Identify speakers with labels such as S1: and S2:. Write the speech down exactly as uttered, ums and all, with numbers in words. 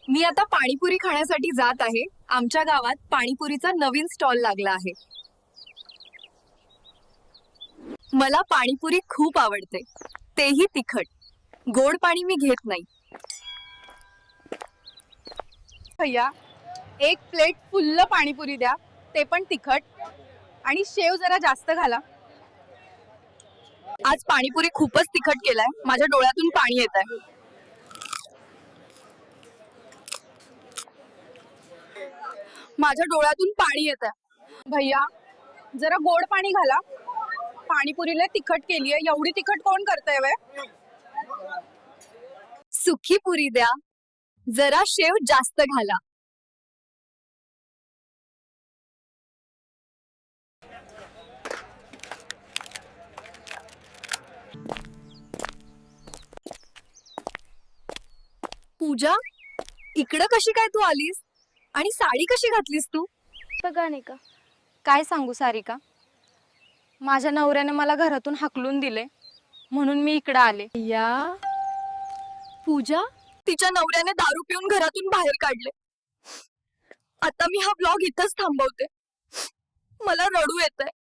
S1: मी आता पाणीपुरी खाण्यासाठी जात आहे. आमच्या गावात पाणीपुरीचा नवीन स्टॉल लागला आहे. मला पाणीपुरी खूप आवडते, तेही तिखट. गोड पाणी मी घेत नाही.
S2: भैया, एक प्लेट फुल्ल पाणीपुरी द्या, ते पण तिखट, आणि शेव जरा जास्त घाला.
S1: आज पाणीपुरी खूपच तिखट केलाय. माझ्या डोळ्यातून पाणी येत आहे. माझ्या डोळ्यातून पाणी येत आहे.
S2: भैया, जरा गोड पाणी घाला. पाणीपुरीला तिखट केलीये, एवढी तिखट कोण करतंय वे?
S1: सुकी पुरी द्या, जरा शेव जास्त घाला. पूजा, इकडं कशी काय तू आलीस? आणि साडी कशी घातलीस तू?
S3: बघा नाही का, काय सांगू सारिका, माझ्या नवऱ्याने मला घरातून हाकलून दिले, म्हणून मी इकडे आले.
S1: या पूजा, तिच्या नवऱ्याने दारू पिऊन घरातून बाहेर काढले. आता मी हा ब्लॉग इथंच थांबवते. मला रडू येतंय.